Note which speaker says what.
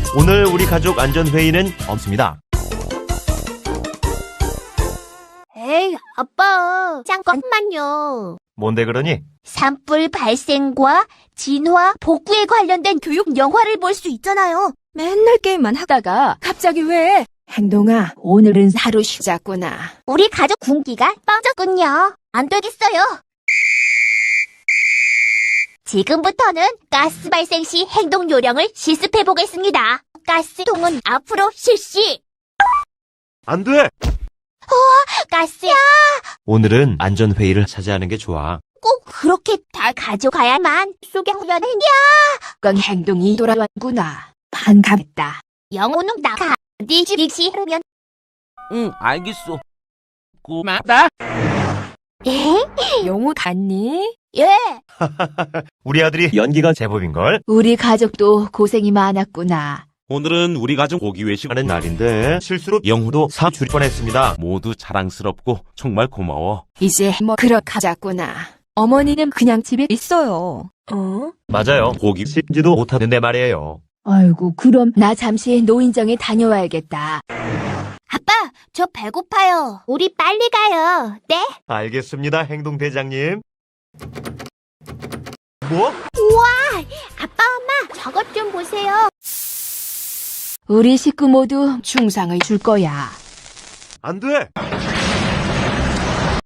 Speaker 1: 오늘 우리 가족 안전회의는 없습니다.
Speaker 2: 에이, 아빠. 잠깐만요.
Speaker 1: 뭔데 그러니?
Speaker 2: 산불 발생과 진화, 복구에 관련된 교육 영화를 볼 수 있잖아요.
Speaker 3: 맨날 게임만 하다가 갑자기 왜? 행동아, 오늘은 하루 쉬자꾸나.
Speaker 2: 우리 가족 군기가 빠졌군요. 안 되겠어요. 지금부터는 가스 발생 시 행동 요령을 실습해 보겠습니다. 가스통은 앞으로 실시.
Speaker 1: 안 돼!
Speaker 2: 가스야.
Speaker 1: 오늘은 안전회의를 차지하는 게 좋아.
Speaker 2: 꼭 그렇게 다 가져가야만 소경련이냐.
Speaker 3: 건 행동이 돌아왔구나. 반갑다.
Speaker 2: 영혼은 나가. 네 집이 싫으면.
Speaker 4: 응, 알겠어. 고맙다.
Speaker 2: 에?
Speaker 3: 영우 갔니?
Speaker 2: 예.
Speaker 1: 우리 아들이 연기가 제법인걸?
Speaker 3: 우리 가족도 고생이 많았구나.
Speaker 4: 오늘은 우리 가족 고기 외식
Speaker 1: 하는 날인데 실수로 영후도 사줄 뻔했습니다.
Speaker 4: 모두 자랑스럽고 정말 고마워.
Speaker 3: 이제 뭐 그렇하자꾸나. 어머니는 그냥 집에 있어요.
Speaker 1: 맞아요. 고기 씹지도 못하는데 말이에요.
Speaker 3: 아이고, 그럼 나 잠시 노인정에 다녀와야겠다.
Speaker 2: 아빠, 저 배고파요. 우리 빨리 가요. 네?
Speaker 1: 알겠습니다, 행동대장님. 뭐?
Speaker 2: 아빠, 엄마, 저것 좀 보세요.
Speaker 3: 우리 식구 모두 중상을 줄 거야.
Speaker 1: 안 돼!